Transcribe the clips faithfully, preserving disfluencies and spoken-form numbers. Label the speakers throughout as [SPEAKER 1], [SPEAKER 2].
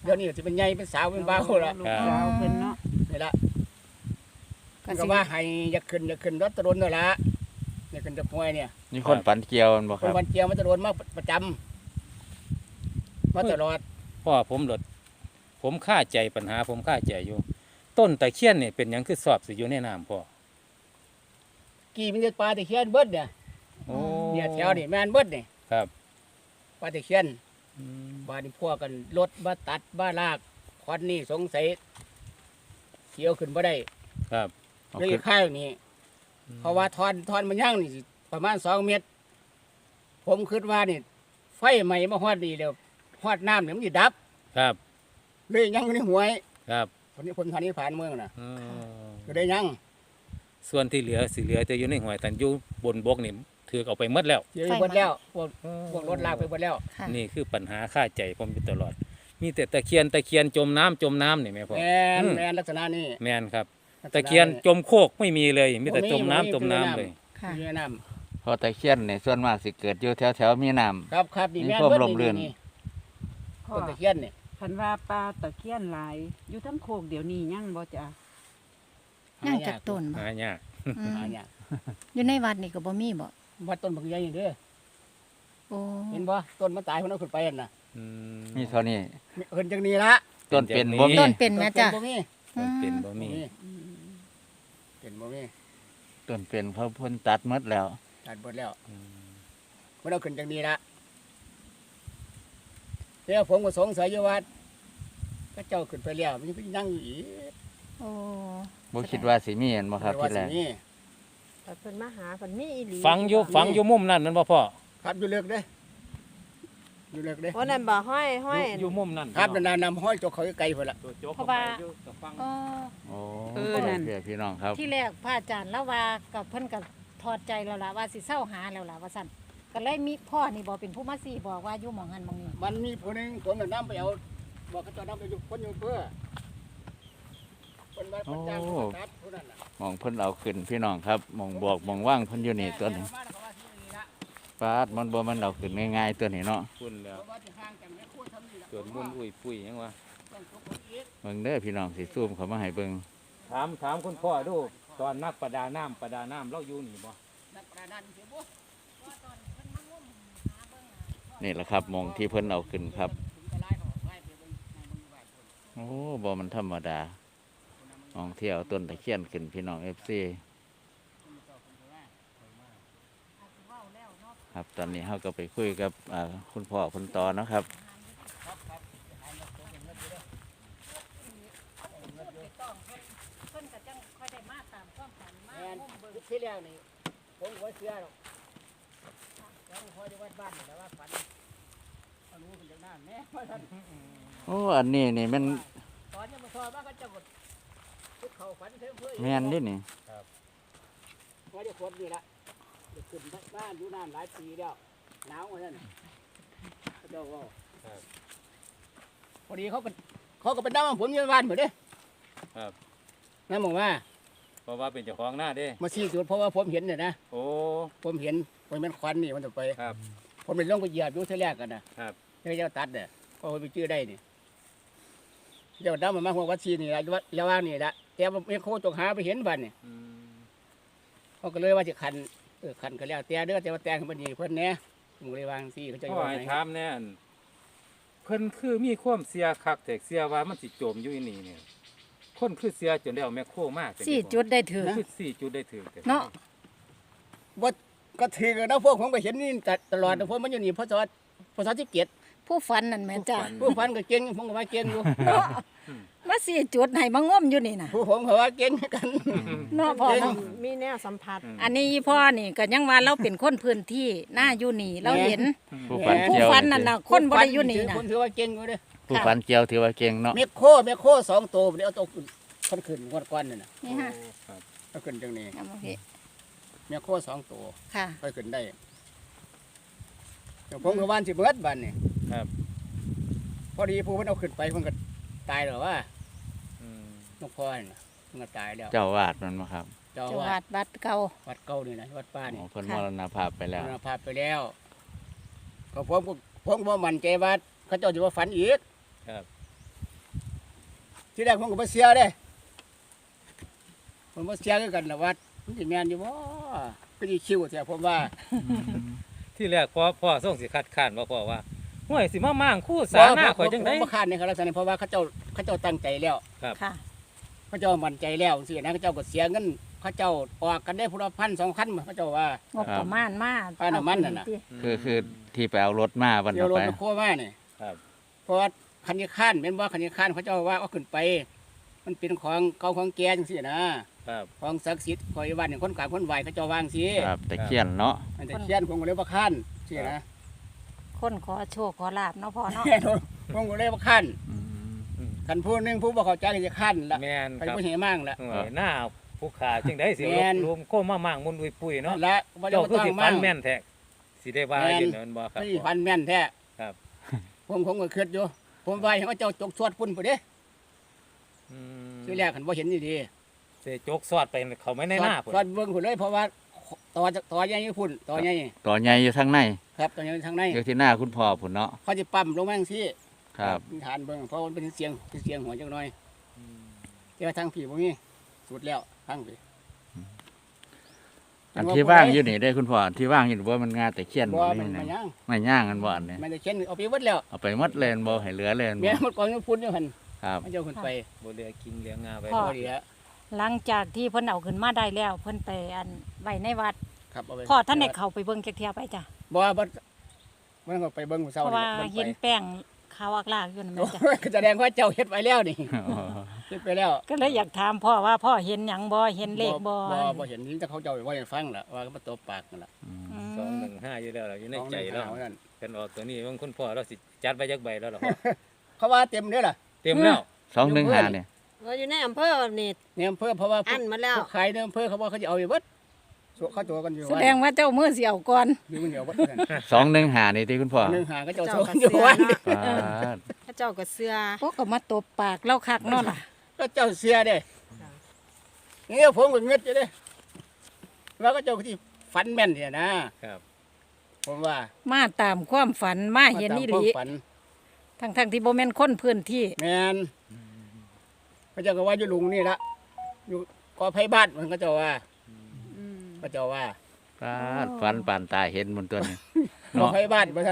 [SPEAKER 1] ดี๋ยวนี้จะเป็นใหญ่เป็นสาวเป็นบ่าวละ
[SPEAKER 2] ลูกสาวเพิ่นเนาะ
[SPEAKER 1] นี่ละ
[SPEAKER 3] ก็
[SPEAKER 1] ก็
[SPEAKER 3] สิ
[SPEAKER 1] ว่าให้อยากขึ้นอยากขึ้นรถตะรนนั่นละอยากขึ้นตะพวยเนี่ย
[SPEAKER 4] มีคนฝันเกี่ยวบ่
[SPEAKER 1] ค
[SPEAKER 4] คน รับ
[SPEAKER 1] วันเกียวมาตะรนมาประจำมาตลอด
[SPEAKER 5] พ่อผมหลดผมค่าใจปัญหาผมค่าใจอยู่ ต้นตะเคียนนี่เป็นหยังคือสอบสิอยู่ในน้ำพ่อ
[SPEAKER 1] กี่มันจะปลาตะเคียนเบิดเนี่ย
[SPEAKER 5] โอ้
[SPEAKER 1] เนี่ยแถวนี่แม่นเบิดเนี่ย
[SPEAKER 5] ครับ
[SPEAKER 1] ปลาตะเคียน
[SPEAKER 5] อืม
[SPEAKER 1] บ้านนี่พวกกันรถบ้าตัดบ้าลากควันนี่สงสัยเขียวขึ้นบ่ได้
[SPEAKER 5] ครับ
[SPEAKER 4] เอา
[SPEAKER 1] เลย
[SPEAKER 4] ขึ้น
[SPEAKER 1] ข้าวนี่เพราะว่าทอนทอนมันย่างนี่สิประมาณสองเมตร ผมคิดว่านี่ไฟใหม่มาฮอดดีแล้วฮอดน้ำเนี่ยมันจะดับ
[SPEAKER 5] ครับ
[SPEAKER 1] เลยยังอยู่ในหวย
[SPEAKER 5] ครับ
[SPEAKER 1] คนนี้คนทานนี้ผ่านเมืองน่ะ
[SPEAKER 5] อ๋อ
[SPEAKER 1] ก็ได้ยัง
[SPEAKER 5] ส่วนที่เหลือสิเหลือแต่อยู่ในห้วยแต่อยู่บนบกนี่ถือเอาไปหมดแล้ว
[SPEAKER 1] เสียไปหมดแล้วพวกพวกรถลากไปหมดแล้ว
[SPEAKER 3] ค่ะ
[SPEAKER 5] นี่คือปัญหาค่าใจผมอยู่ตลอด มีแต่ตะเคียนตะเคียนจมน้ำจมน้ำนี่แม่พ่อ
[SPEAKER 1] แมน
[SPEAKER 5] อืม
[SPEAKER 1] แมนลักษณะนี้
[SPEAKER 5] แม่นครับ
[SPEAKER 1] ลักษณ
[SPEAKER 5] ตะเคียนจมโคกไม่มีเลย มีแต่จมน้ำจมน้ำเลย
[SPEAKER 3] ค่ะ
[SPEAKER 1] มีน้
[SPEAKER 4] เพราะตะเคียนเนี่ยส่วนมากสิเกิดอยู่แถวๆมีน้ำ
[SPEAKER 1] ำครับครับนี่
[SPEAKER 4] มี
[SPEAKER 1] แม่น
[SPEAKER 4] ความ
[SPEAKER 1] เบิด
[SPEAKER 4] ร่มรื่น
[SPEAKER 1] นี่
[SPEAKER 2] พ่อ
[SPEAKER 1] ต้นตะเคียนนี่
[SPEAKER 2] คันว่าปลาตะเคียนหลาย อยู่ทั้งโคกเดี๋ยวนี้ยังบ่จ้ะ
[SPEAKER 3] ย่างจากต้นบ่
[SPEAKER 5] หายาก
[SPEAKER 3] อืม
[SPEAKER 1] หาเนี่ยาก
[SPEAKER 3] อยู่ในวัดนี่ก็บ่มีบ่
[SPEAKER 1] วัดต้นบางใหญ่นี่เด้อ
[SPEAKER 3] โอ้
[SPEAKER 1] เห็นบ่ต้นมันตายคนเอาขึ้นไปนั่นน่ะ
[SPEAKER 5] อืม
[SPEAKER 4] มีเท่านี้
[SPEAKER 1] เห็นจังนี้ละ
[SPEAKER 4] ต้นเป็น
[SPEAKER 5] เป็น
[SPEAKER 4] บ่
[SPEAKER 5] อย่างนี้
[SPEAKER 4] มี
[SPEAKER 3] ต้นเป็นแม่จ้ะ
[SPEAKER 1] ต้นบ่มี
[SPEAKER 3] อืม
[SPEAKER 5] เป็นบ่
[SPEAKER 1] บ่
[SPEAKER 5] มี
[SPEAKER 1] มี
[SPEAKER 2] อืม
[SPEAKER 1] เป็นบ่มี
[SPEAKER 4] ต้นเป็นเขาเพิ่นตัดหมดแล้ว
[SPEAKER 1] ตัดหมดแล้ว
[SPEAKER 5] อืม
[SPEAKER 1] มันเอาขึ้นจังนี้ละแล้วผมก็สงสัยอยู่ว่าก็เจ้าขึ้นไปแล้วมันยังนั่งอยู่อีก
[SPEAKER 3] โอ้
[SPEAKER 4] บ่คิดว่าสิมีเห็นบ่ครับที่แรก
[SPEAKER 1] ว่าสิมี
[SPEAKER 6] แต่เพิ่นมาหาเพิ่นมีอีหลี
[SPEAKER 5] ฟังอยู่ฟังอยู่มุมนั่นนั่นบ่พ่อ
[SPEAKER 1] ครับอยู่เลิกเด้ออยู่เลิกเด้อ
[SPEAKER 6] เพราะนั่นบ่ห้อยห้อย
[SPEAKER 5] อยู่อยู่มุมนั่น
[SPEAKER 1] ครับนานๆนำห้อยจกเขาไกลพุ่นละ
[SPEAKER 5] ตัวโจ๊ก
[SPEAKER 3] เพราะว่า
[SPEAKER 5] เข้ไปอยู่กับฟัง
[SPEAKER 3] อ๋อ
[SPEAKER 4] โอ้
[SPEAKER 2] เออนั่น
[SPEAKER 4] เพื่อพี่น้องครับ
[SPEAKER 3] ที่แรกพระอาจารย์แล้วว่ากับเพิ่นก็ถอดใจแล้วล่ะว่าสิเศร้าหาแล้วล่ะว่าซั่นก็เลยมีพ่อนี่บ่เป็นผู้มาสี่บอกว่าอยู่หม่องหันหม่องนี้
[SPEAKER 1] มันมีผู้หนึงผมน่ะนำไปเอาบอกเขาเจะนำไปอยู่คนอยู่เพื่อคนว่าคนจ้างคนตัดผู้นั้นน่ะ
[SPEAKER 4] หมองเพิ่นเอาขึ้นพี่น้องครับหมองบอกหมองว่างเพิ่นอยู่นี่ตัวนี้
[SPEAKER 1] แม่เขาว่าที่นี่ละ
[SPEAKER 4] ปาดมันบ่มันเอาขึ้นง่ายๆตัวนี้เนาะ
[SPEAKER 5] คุณแล้ว
[SPEAKER 1] เพราะว่าที่ห่างจากแม่ครัวทำนี่ละ
[SPEAKER 5] เกิดมุนอุ้ยปุ้ยหยังวะ
[SPEAKER 1] ต้องทุกคนอีก
[SPEAKER 4] เบิ่งเด้อพี่น้องสิซูมเข้ามาให้เบิ่ง
[SPEAKER 5] ถามถามคุณพ่อดูตอนนักประดาน้ำประดาน้ำเราอยู่นี่บ่
[SPEAKER 1] นักประดาน้ำเสียบ่
[SPEAKER 4] นี่แหละครับหมองที่เพิ่นเอาขึ้นครับ
[SPEAKER 1] ถึงจะไล่เขาออกไล่ไปเบิ่งในเบิ่งอยู่บ้านคน
[SPEAKER 4] โอ้บ่มันธรรมดาหมองที่เอาต้นตะเคียนขึ้นพี่น้อง เอฟ ซี ครับตอนนี้เฮาก็ไปคุยกับอ่าคุณพ่อคุณตอเนาะครับ
[SPEAKER 3] เพิ่นก็จังค่อยได้มาตามความฝันมา
[SPEAKER 1] แม่น
[SPEAKER 3] งมเบิ่ง
[SPEAKER 1] ที่แล้วนี่ผมก็บ่เชื่อหรอกแล้วพอได้วัดบ้านนี่แต่ว่าฝันเอารู้เป็นจากนั้นแม่ว่าท่าน
[SPEAKER 4] โอ้อันนี้นี่มัน
[SPEAKER 1] ตอนยังมาสอบว่าก็จะกดทุกเขาฝันเพิ่มเพื่อ
[SPEAKER 4] แม่นเดินี่
[SPEAKER 1] พอได้คนนี่ละจะขึ้นบ้านอยู่นานหลายปีแล้วหนาวกว่านั้นเขาเจ้าว่าพอดีเขาก็เขาก็เป็นน้ำผมอยู่บ้านเหมือนเด้
[SPEAKER 5] ครับ
[SPEAKER 1] น้ำบอกว่า
[SPEAKER 5] เพราะว่าเป็นเจ้าของหน้าเด้
[SPEAKER 1] มาชี้จุดเพราะว่าผมเห็นเนี่ยนะ
[SPEAKER 5] โอ้
[SPEAKER 1] ผมเห็นผมเป็นควันนี่มันต่อไป
[SPEAKER 5] ครับ
[SPEAKER 1] ผมเป็นลงไปเหยียบอยู่เท่าแรกกันนะครับ เจ้าเจ้าตัดเนี่ยก็ไปชื่อได้นี่เจ้าดำมามาหัววัดชีนี่ละระว่างนี่ละแต่ว่าไม่โคจงหาไปเห็นบ้านนี่
[SPEAKER 5] อืม
[SPEAKER 1] เขาก็เลยว่าจะคันเออคันก็แล้วแต่เด้อแต่ว่าแต่งมันนี่เพิ่นแหน่ผมเลยวางซี่เขาจะ
[SPEAKER 5] พ่
[SPEAKER 1] ว่า
[SPEAKER 5] อให้
[SPEAKER 1] ไง
[SPEAKER 5] ถามแน่อันเพิ่นคือมีความเสียคักแต่เสียว่ามันสิจมอยู่อีนี่เนี่ยคนคือเสียจนแล้วแม่โคมาก
[SPEAKER 3] สี่จุดได้ถือ
[SPEAKER 5] คือสี่จุดได้ถึง
[SPEAKER 3] เนาะ
[SPEAKER 1] ว่าก็ถือกันนะพวกผมก็เห็นนี่ตลอดนะพวกมันอยู่นี่พศพศที่เกียรติ
[SPEAKER 3] ผู้ฝันนั่นแม่จ้ะ
[SPEAKER 1] ผู้พันก็เก่งผมก็ว่าเก่งอยู่
[SPEAKER 3] มาสี่จุดให้มางมอยู่นี่น่ะ
[SPEAKER 1] ผู้ผมก็ว่าเก่งกัน
[SPEAKER 3] เนาะพ่อเนาะ
[SPEAKER 6] มีแนวสัมผัส
[SPEAKER 3] อันนี้อีพ่อนี่ก็ยังว่าเราเป็นคนพื้นที่หน้าอยู่นี่เราเห็น
[SPEAKER 4] ผู้ฝัน
[SPEAKER 3] ผู้
[SPEAKER 4] เกี่ยว
[SPEAKER 3] ฝันนั่นน่ะคนบ่ได้อยู่นี่น่ะ
[SPEAKER 1] ผมถือว่าเก่งอยู่เด้อ
[SPEAKER 4] ผู้ฝันเกี่ยวถือว่าเก่งเนาะ
[SPEAKER 1] เมฆโคเมฆโคสองตัวเดี๋ยวเอาตัวคนขึ้นงวดก้อนนี่นะ
[SPEAKER 3] นี่ฮะ
[SPEAKER 5] ครับ
[SPEAKER 1] เอาขึ้นจังนี้
[SPEAKER 3] เอามาพี่
[SPEAKER 1] เมฆโคสองตัว
[SPEAKER 3] ค่ะ
[SPEAKER 1] ค่อยขึ้นได้เดี๋ยวผมก็ว่านสิเบิดบันนี่
[SPEAKER 5] ครับ
[SPEAKER 1] พอดีผู้เพิ่นเอาขึ้นไปเพิ่นก็ตายแล้วว่า
[SPEAKER 5] อืม
[SPEAKER 1] นกพ่อนี่นะเพิ่นก็ตายแล้ว
[SPEAKER 4] เจ้าวาดมันมาครับ
[SPEAKER 1] เจ้า
[SPEAKER 3] จังห
[SPEAKER 1] ว่า
[SPEAKER 3] วัดบัดเก่า
[SPEAKER 1] วัดเก่านี่นะวัดป้านี่
[SPEAKER 4] โอ้เพิ่นมรณภาพไปแล้ว
[SPEAKER 1] มรณภาพไปแล้วก็ผมก็ผมก็บ่มั่นใจว่าเขาเจ้าจะว่าฝันอีก
[SPEAKER 5] ครับ
[SPEAKER 1] ที่แรกผมก็บ่เสียเด้ผมบ่เสียคือกันล่ะว่ามันสิแม่นอยู่บ่ก็สิคิวแท้ผมว่า
[SPEAKER 5] ที่แรกพ่อพ่อส่งสิคัดค้านว่าพ่อว่าห่วยสิมามั่างคู่สาหน้าข่อยจังได๋
[SPEAKER 1] ผมบ่คาดในครับลักษณะนี้เพราะว่าเขาเจ้าเขาเจ้าตั้งใจแล้ว
[SPEAKER 3] ค่ะ
[SPEAKER 1] เขาเจ้ามั่นใจแล้วจังซี่นะเขาเจ้าก็เสียเงินเขาเจ้าออกกันได้พุ่นละพันสองพันเขาเจ้าว่าง
[SPEAKER 3] บประมาณมา
[SPEAKER 1] ค่าน้ำมันน่ะนะ
[SPEAKER 3] เอาไป
[SPEAKER 4] คือคือที่ไปเอารถมาวัน
[SPEAKER 1] เดี๋ยว
[SPEAKER 4] เอา
[SPEAKER 1] รถ
[SPEAKER 4] ไป
[SPEAKER 1] มาโคมานี่
[SPEAKER 5] ครับ
[SPEAKER 1] เพราะว่าคันยข้านแม่นว่าคันยข้านเขาเจ้าว่าเอาขึ้นไป มันเป็นของเก่าของแก่จังซี่นะครับ ของศักดิ์สิทธิ์คอยบ้านนี่คนกลางคนไหวเขาเจ้าวางสิ
[SPEAKER 4] ครับตะเคียนเนาะ
[SPEAKER 1] อันแต่เขียนผมก็เลยบ่ค้านซี่นะ
[SPEAKER 3] คนขอโชคขอลาบเนาะพ่อเนาะ
[SPEAKER 1] ผมก็เลยบ่ค้าน
[SPEAKER 4] อืม
[SPEAKER 5] อืม
[SPEAKER 1] คันผู้หนึงผู้บ่เข้าใจก็จะค้านละ
[SPEAKER 5] แม่น
[SPEAKER 1] ไป
[SPEAKER 5] ครับ
[SPEAKER 1] บ่เห็นมั่งละ
[SPEAKER 5] ห่วยหน้าผู้ขาจังได๋สิ
[SPEAKER 1] แม่
[SPEAKER 5] ลบ
[SPEAKER 1] น
[SPEAKER 5] รวมโคมามั่างมุนอุยปุยเนาะ
[SPEAKER 1] และบ่ได้
[SPEAKER 5] เจ้า
[SPEAKER 1] บ่
[SPEAKER 5] คือ
[SPEAKER 1] ต้อง
[SPEAKER 5] สิฟั
[SPEAKER 1] มั่
[SPEAKER 5] น
[SPEAKER 1] ง
[SPEAKER 5] แม่นแท้สิได้ว่า
[SPEAKER 1] แม่น
[SPEAKER 5] อยู่นั่นบ่ครับ
[SPEAKER 1] นี่ฟันแม่นแท้
[SPEAKER 5] ครับ
[SPEAKER 1] ผมผมก็คิดอยู่ ผมว่าให้เขาเจ้าจกสวดพุ่นพุ่นเด้
[SPEAKER 5] อืม
[SPEAKER 1] ทีแรกคันบ่เห็นดี
[SPEAKER 5] เสจกสอดไปเขาไม่
[SPEAKER 1] ๆ
[SPEAKER 5] ในหน้าพุ่น
[SPEAKER 1] สวดเบิ่งพุ่นเลยเพราะว่าต่อจากต่อใหญ่อยู่พุ่นต่อใหญ่
[SPEAKER 4] ต่อใหญ่อยู่ทางใน
[SPEAKER 1] ครับต่อใหญ่ทางใน
[SPEAKER 4] อยู่ที่หน้าคุณพ่อพุ่นเนาะ
[SPEAKER 1] เขาจะปั๊มลงมาจังซี่
[SPEAKER 4] ครับ
[SPEAKER 1] ฐานเบิ่งเพราะมันเป็นเสียงเป็นเสียงหัวจังหน่อย
[SPEAKER 5] อืม
[SPEAKER 1] แต่ว่าทางผีบ่มีสุดแล้วทางผี
[SPEAKER 4] อันที่ว่างอยู่นี่ได้คุณพ่ออันที่ว่างอยู่ว่ามันงาตะเคียน
[SPEAKER 1] บ่
[SPEAKER 4] บ่
[SPEAKER 1] มั
[SPEAKER 4] นี่
[SPEAKER 1] น
[SPEAKER 4] นะ
[SPEAKER 1] มาย่าง
[SPEAKER 4] ไม่ย่างกันบ่อันนี้
[SPEAKER 1] มันจะเข็นเอาไปหมดแล้ว
[SPEAKER 4] เอาไปหมดเลยบ่ให้เหลือเลย
[SPEAKER 1] แม่
[SPEAKER 4] บ่
[SPEAKER 1] หมดกองอยู่พุ่นอยู่หั่น
[SPEAKER 4] ครับ
[SPEAKER 1] มันเจ้าขึ้นไป
[SPEAKER 5] บ่เหลือกินเหลืองาไว้
[SPEAKER 3] พ่อ
[SPEAKER 1] บ่ดีฮะ
[SPEAKER 3] หลังจากที่เพิ่นเอาขึ้นมาได้แล้ว เพิ่นไปอันไว้ในวัด
[SPEAKER 1] ครับเอาไป
[SPEAKER 3] พ่อท่านได้เข้าไปเบิ่งจักเที่ยไปจ้ะ
[SPEAKER 1] บ่บ่มันก็ไปเบิ่งมื้อ
[SPEAKER 3] เพ
[SPEAKER 1] เช้า
[SPEAKER 3] ราะว่า
[SPEAKER 1] นี่
[SPEAKER 3] เห็นแป้งขาวอักลากอยู่นั่นแห
[SPEAKER 1] โอ้
[SPEAKER 3] ละจ้ะ
[SPEAKER 1] ยก็แสดงว่าเจ้าเฮ็ดไว้แล้วนี่
[SPEAKER 4] อ๋อ
[SPEAKER 1] เฮ็ดไปแล้ว
[SPEAKER 3] ก็เลยอยากถามพ่อว่าพ่อเห็นหยังบ่เห็นเลขบ่
[SPEAKER 1] บ่บ่เห็นนี่แต่เขาเจ้าว่าให้ฟังล่ะว่าก็มาตบปากนั่นล่ะ
[SPEAKER 4] อืม
[SPEAKER 3] อื
[SPEAKER 5] สอง
[SPEAKER 3] ม
[SPEAKER 5] หนึ่งห้าอยู่แล้วล่ะอยู่ใน
[SPEAKER 1] ของ
[SPEAKER 5] ใจแล้ว
[SPEAKER 1] หานั่น
[SPEAKER 5] กันออกตัวนี้บางคุณพ่อเราสิจัดไว้จักใบแล้วล่ะพ่อ
[SPEAKER 1] เขาว่าเต็มเด้อล่ะ
[SPEAKER 5] เต็มแล้ว
[SPEAKER 4] สองหนึ่งห้าเนี่ย
[SPEAKER 6] ว่าอยู่ในอำเภอนี่
[SPEAKER 1] ในอำเภอเพราะว่า
[SPEAKER 6] อันมาแล้ว
[SPEAKER 1] ผู้ขายในอำเภอเขาบอกเขาจะเอาไปเบิดสวเขาตัวกันอยู่
[SPEAKER 3] แสดงว่าเจ้ามือเสียวก่อน
[SPEAKER 1] อยู่คนเดียวเบิดนั่น
[SPEAKER 4] สองหนึ่งห้านี่ที่คุณพ่อ
[SPEAKER 1] หนึงหาก็เจ้า
[SPEAKER 6] เจ้า
[SPEAKER 1] โซ
[SPEAKER 6] ก็
[SPEAKER 1] นอยู่
[SPEAKER 6] เสือ
[SPEAKER 1] วัน
[SPEAKER 6] เนาะ
[SPEAKER 4] ปาด
[SPEAKER 6] พระเจ้าก็เสือ
[SPEAKER 3] พวกก็มาตบปากเล่าคักเนาะล่ะ
[SPEAKER 1] ก็เจ้าเสียเด้นี่ผมก็เงึดอยู่เด้ว่าก็เจ้าที่ฝันแม่นเนี่ยนะครับ ผมว่า
[SPEAKER 3] มาตามความฝันมาเห็นนี่หลี
[SPEAKER 1] มาตามความฝัน
[SPEAKER 3] ทั้งทั้งๆที่บ่แม่นคนพื้นที่
[SPEAKER 1] แม่นพระเจ้าก็ว่าอยู่ลุงนี่ละอยู่กอไผ่บ้านมันก็เจ้าว่า
[SPEAKER 6] อืม
[SPEAKER 1] พระเจ้าว่า
[SPEAKER 4] ปาดฟันปานตายเห็นบนตัวนี้
[SPEAKER 1] กอ
[SPEAKER 4] เนาะ
[SPEAKER 1] ไผ่บ้านพระท่าน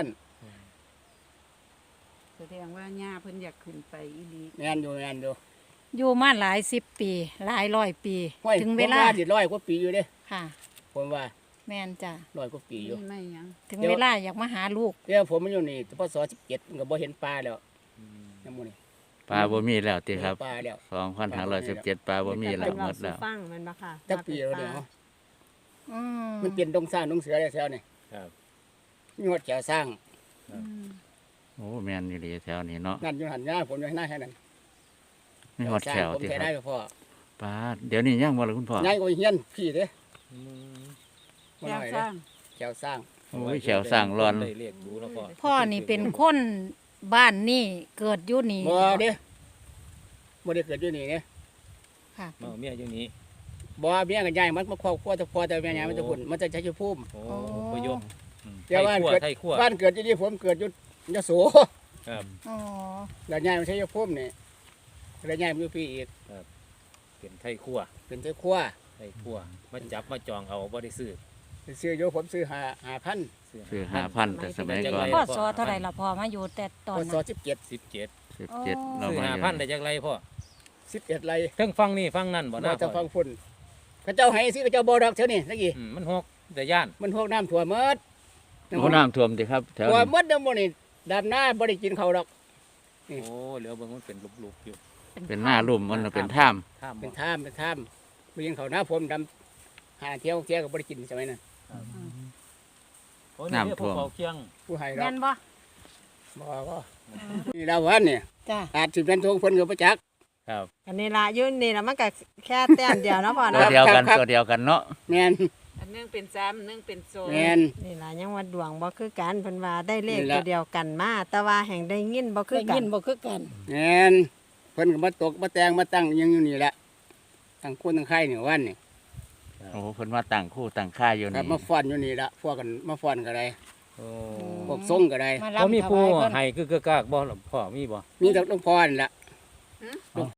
[SPEAKER 2] แสดงว่าย่าเพิ่นอยากขึ้นไปอีหลี
[SPEAKER 1] แม่นอยู่แม่นอยู่
[SPEAKER 3] อยู่มาหลายสิบปี หลายร้อยปี
[SPEAKER 1] ห้ย
[SPEAKER 3] ถึงเวลา
[SPEAKER 1] ผมดิร้อยกว่าปีอยู่เด้
[SPEAKER 3] ค่ะ
[SPEAKER 1] ผมว่า
[SPEAKER 3] แม่นจ้ะ
[SPEAKER 1] ร้อยกว่าปีอยู่
[SPEAKER 2] นี่ไม่หยัง
[SPEAKER 3] ถึงเวลาอยากมาหาลูก
[SPEAKER 1] เดี๋ยวผมมันอยู่นี่พศสิบเจ็ดก็บ่เห็นปลาแล้วน้ำมูนี่
[SPEAKER 4] ปลาบ่มีแล้วติครับ
[SPEAKER 1] ปลาแล้ว
[SPEAKER 4] สองพันห้าร้อยสิบเจ็ดปลาบ่มีแล้วหมดแล้ว
[SPEAKER 6] ฟังมันบ่ค่ะ
[SPEAKER 1] จักปีแล้วเดี๋ยว
[SPEAKER 3] อืม
[SPEAKER 1] มันเปลี่ยนดงสร้างดงเสือแล้วแถวนี่
[SPEAKER 5] ครับ
[SPEAKER 1] มีหดแถวสร้าง
[SPEAKER 3] อืม
[SPEAKER 4] โอ้แม่นอยู่ดีแถวนี้เนาะ
[SPEAKER 1] นั่นอยู่หันหน้าผมอยู่หน้าแค่นั้น
[SPEAKER 4] มีฮอดแถว
[SPEAKER 1] ผม
[SPEAKER 4] ติ
[SPEAKER 1] แท้
[SPEAKER 4] ค
[SPEAKER 1] ได้
[SPEAKER 4] รับ
[SPEAKER 1] พ่อ
[SPEAKER 4] ปาดเดี๋ยวนี้ยังบ่ล่ะคุณพ่อ
[SPEAKER 1] ง่ายกว่าเฮียนพี่เด้
[SPEAKER 5] อืม
[SPEAKER 1] บ่
[SPEAKER 2] แก้
[SPEAKER 1] น้
[SPEAKER 2] ว
[SPEAKER 1] อย
[SPEAKER 2] ส
[SPEAKER 1] เด้
[SPEAKER 2] ร้าง
[SPEAKER 1] แถวสร้าง
[SPEAKER 4] โอ้ยแขวสร้างรอน
[SPEAKER 5] ได้เรียกดูแล้วพ่อ
[SPEAKER 3] พ่อนี่เป็นคนบ้านนี่เกิดอยู่นี่
[SPEAKER 1] บ่เด้บ่ได้เกิดอยู่นี่เด้
[SPEAKER 3] ค่ะ
[SPEAKER 5] เมาเมียอยู่นี้
[SPEAKER 1] บ่เมียก็ย้ายมันมาครอบครัวแต่พ่อแต่แม่ย้ายมันจะพุ่นมันจะใช้ชีวิตภูมิ
[SPEAKER 5] โอ้
[SPEAKER 3] โอ้
[SPEAKER 5] พยพอืม
[SPEAKER 1] เดี๋ยวบ้าน
[SPEAKER 5] ไทย
[SPEAKER 1] เกิด
[SPEAKER 5] ไทยขั้ว
[SPEAKER 1] บ้านเกิดอยู่นี่ผมเกิดอยู่ยโส
[SPEAKER 5] ครับ
[SPEAKER 3] อ๋อ
[SPEAKER 1] แล้วย้ายมาใช้ชีวิตภูมินี่แล้วย้ายมาอยู่พี่อีก
[SPEAKER 5] เป็นไทยขั้ว
[SPEAKER 1] เป็นเจ้าครัว
[SPEAKER 5] ไทยขั้วมาจับมาจองเอาบ่ได้ซื้อ
[SPEAKER 1] ซื้ออยู่ผมซื้อห้าห้าพัน
[SPEAKER 4] ซื้อห้าพันแต่สมัยก่อน
[SPEAKER 3] พ่อสอเท่าไหร่ละพ่อมาอยู่แต่ตอน
[SPEAKER 1] พศ
[SPEAKER 3] นั้น
[SPEAKER 1] สิบเจ็ด
[SPEAKER 5] สิบเจ็ด
[SPEAKER 4] สิบเจ็ด
[SPEAKER 3] อ๋อ
[SPEAKER 4] เรา
[SPEAKER 5] ซื้อ
[SPEAKER 4] มา
[SPEAKER 5] ห้า
[SPEAKER 4] อยู่
[SPEAKER 5] พันได้จากไรพ่อ
[SPEAKER 1] สิบเอ็ดไร
[SPEAKER 5] เทั้งฟังนี่ฟังนั่นบ่
[SPEAKER 1] บ่
[SPEAKER 5] น่า
[SPEAKER 1] จะ
[SPEAKER 5] พ่
[SPEAKER 1] ฟั
[SPEAKER 5] อง
[SPEAKER 1] ฝุ่นเขาเจ้าให้สิเขาเจ้าบ่ดอกเท่านี้ตะกี้
[SPEAKER 5] อืมมันหกแต่ย่าน
[SPEAKER 1] มันพวกน้ำถั่วหมด
[SPEAKER 4] โอ้น้ำท่วมติครับแถว
[SPEAKER 1] ถั่ว
[SPEAKER 4] นี้
[SPEAKER 1] หมดน้ำมันนี่ดำหน้าบ่ได้กินเขาวดอก
[SPEAKER 5] โอ้เหลือเบิ่งมันเป็นลุกๆอยู่
[SPEAKER 4] เป็นหน้าลุ่มมันน่ะเป็นถ้ำ
[SPEAKER 5] ท่าม
[SPEAKER 1] เป็
[SPEAKER 5] บ่
[SPEAKER 1] นท่ามเป็นท่ามบ่กินเขาวหน้าผมดำหาเที่ยวเที่ยวก็บ่ได้กินสมัยนั้น
[SPEAKER 5] โอ้นี่เรียกพวกเบาเคียง
[SPEAKER 1] ผู้ให้ดอ
[SPEAKER 3] แม่
[SPEAKER 1] ก
[SPEAKER 3] นบ่
[SPEAKER 1] บ่ก็นี่ดาววันเนี่ย
[SPEAKER 3] จ้ะ
[SPEAKER 1] อาจสิเป็นทงเพิ่นก็บ่จัก
[SPEAKER 5] ครับ
[SPEAKER 6] อันนี้ละอยุ่นนี่ละมันก็แค่แต้มเดียวเนาะพ่อ
[SPEAKER 4] ตัว
[SPEAKER 6] เนาะ
[SPEAKER 4] เดียวกัน
[SPEAKER 1] ครับ
[SPEAKER 4] ตัวเดียวกันเนาะ
[SPEAKER 1] แม่น
[SPEAKER 2] อันหนึงเป็นสามอันหนึงเป็นโซน
[SPEAKER 1] แม่น
[SPEAKER 6] นี่ละยังว่าดวงบ่คือกันเพิ่นว่าได้เลข
[SPEAKER 1] นี่ล่ะ
[SPEAKER 6] ตัวเดียวกันมาแต่ว่าแห่งได้ยินบ่คือ
[SPEAKER 3] ได้
[SPEAKER 6] กั
[SPEAKER 3] ยิ
[SPEAKER 6] น
[SPEAKER 3] นบ่คือกัน
[SPEAKER 1] แม่นเพิ่นก็มาตกมาแต่งมาตั้งยังอยู่นี่แหละตั้งคนตั้งไข่นี่วันนี่
[SPEAKER 4] โอ้เพิ่นว่าต่างคู่ต่างค่ายอยู่
[SPEAKER 1] ครับ
[SPEAKER 4] นี่
[SPEAKER 1] มาฟ้อนอยู่นี่ละพวกกันมาฟ้อนก็ได้
[SPEAKER 5] โอ้
[SPEAKER 1] พวกทรงก็ได้
[SPEAKER 3] มา
[SPEAKER 5] บ่
[SPEAKER 3] ลำ
[SPEAKER 5] มี
[SPEAKER 3] ถ
[SPEAKER 5] ผู้
[SPEAKER 3] วายเพิ่น
[SPEAKER 5] ให้คือกะกากบ่พ่อมีบ่
[SPEAKER 1] มีแต่หลวงพ่อนี่ละ